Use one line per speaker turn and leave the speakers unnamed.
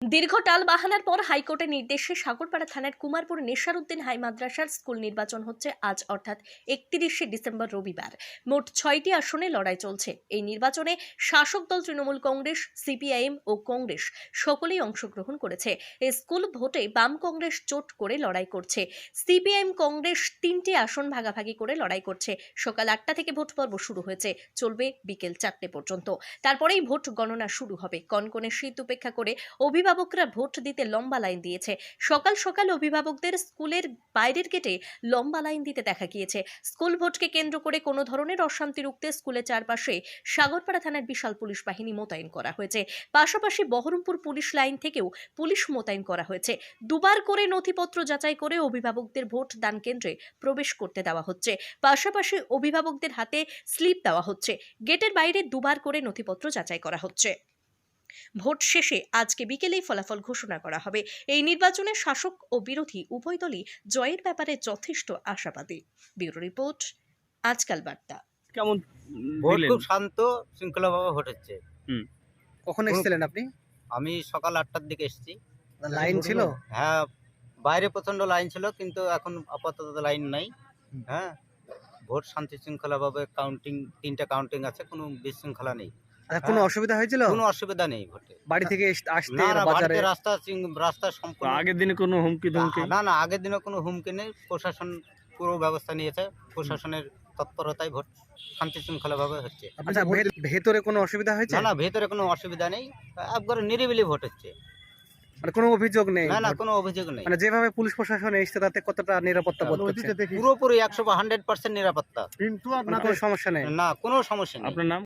দীর্ঘ টালবাহানার পর হাইকোর্টের নির্দেশে সাগরপাড়া থানার কুমারপুর নেশারউদ্দিন হাই মাদ্রাসার স্কুল নির্বাচন হচ্ছে আজ অর্থাৎ 31শে ডিসেম্বর রবিবার। মোট 6টি আসনে লড়াই চলছে। এই নির্বাচনে শাসক দল তৃণমূল কংগ্রেস, সিপিআইএম ও কংগ্রেস সকলেই অংশগ্রহণ করেছে। এই স্কুল ভোটে বাম কংগ্রেস জোট করে লড়াই করছে। সিপিআইএম কংগ্রেস 3টি আসন ভাগাভাগি করে লড়াই করছে। সকাল 8টা থেকে ভোট পর্ব শুরু হয়েছে, চলবে বিকেল 4টে পর্যন্ত। তারপরেই ভোট গণনা শুরু হবে। কনকনে শীত উপেক্ষা করে অভিভাবকরা ভোট দিতে লম্বা লাইন দিয়েছে। সকাল সকাল অভিভাবকদের স্কুলের বাইরের গেটে লম্বা লাইন দিতে দেখা গিয়েছে। স্কুল ভোটকে কেন্দ্র করে কোনো ধরনের অশান্তি রুখতে স্কুলের চারপাশে সাগরপাড়া থানার বিশাল পুলিশ বাহিনী মোতায়েন করা হয়েছে। পাশাপাশি বহরমপুর পুলিশ লাইন থেকেও পুলিশ মোতায়েন করা হয়েছে। দুবার করে নথিপত্র যাচাই করে অভিভাবকদের ভোট দান কেন্দ্রে প্রবেশ করতে দেওয়া হচ্ছে। পাশাপাশি অভিভাবকদের হাতে স্লিপ দেওয়া হচ্ছে। গেটের বাইরে দুবার করে নথিপত্র যাচাই করা হচ্ছে। ভোট শেষে আজকে বিকেলেই ফলাফল ঘোষণা করা হবে। এই নির্বাচনে শাসক ও বিরোধী উভয় দলই জয়ের ব্যাপারে যথেষ্ট আশাবাদী। ব্যুরো রিপোর্ট, আজকাল বার্তা।
কেমন
ভোট
দিলেন?
খুব শান্ত শৃঙ্খলাভাবে ভোট হচ্ছে।
কখন এসেছিলেন আপনি?
আমি সকাল 8টার দিকে এসেছি।
লাইন ছিল?
হ্যাঁ, বাইরে প্রচন্ড লাইন ছিল, কিন্তু এখন আপাতত লাইন নাই। হ্যাঁ, ভোট শান্তি শৃঙ্খলাভাবে কাউন্টিং, 3টা কাউন্টিং আছে, কোনো বিশৃঙ্খলা নেই।
কোনো অসুবিধা হয়েছিল?
কোনো অসুবিধা নেই ভোটে।
বাড়ি থেকে আসতে
না না,
বাজারে?
বাড়িতে রাস্তা সম্পূর্ণ।
আগের দিনে কোনো হুমকি ধমকি?
না, আগের দিনে কোনো হুমকি নেই। প্রশাসন পুরো ব্যবস্থা নিয়েছে। প্রশাসনের তৎপরতায় ভোট শান্তি শৃঙ্খলাভাবে হচ্ছে।
আচ্ছা, ভেতরে কোনো অসুবিধা হয়েছে?
না, ভেতরে কোনো অসুবিধা নেই। একবারে নিরিবিলি ভোট হচ্ছে।
মানে কোনো অভিযোগ নেই?
না, কোনো অভিযোগ নেই।
মানে যেভাবে পুলিশ প্রশাসন এসেছে তাতে কতটা নিরাপত্তা বোধ করছেন?
পুরোপুরি 100% নিরাপত্তা।
কোনো সমস্যা নেই?
না, কোনো সমস্যা নেই।
আপনার নাম?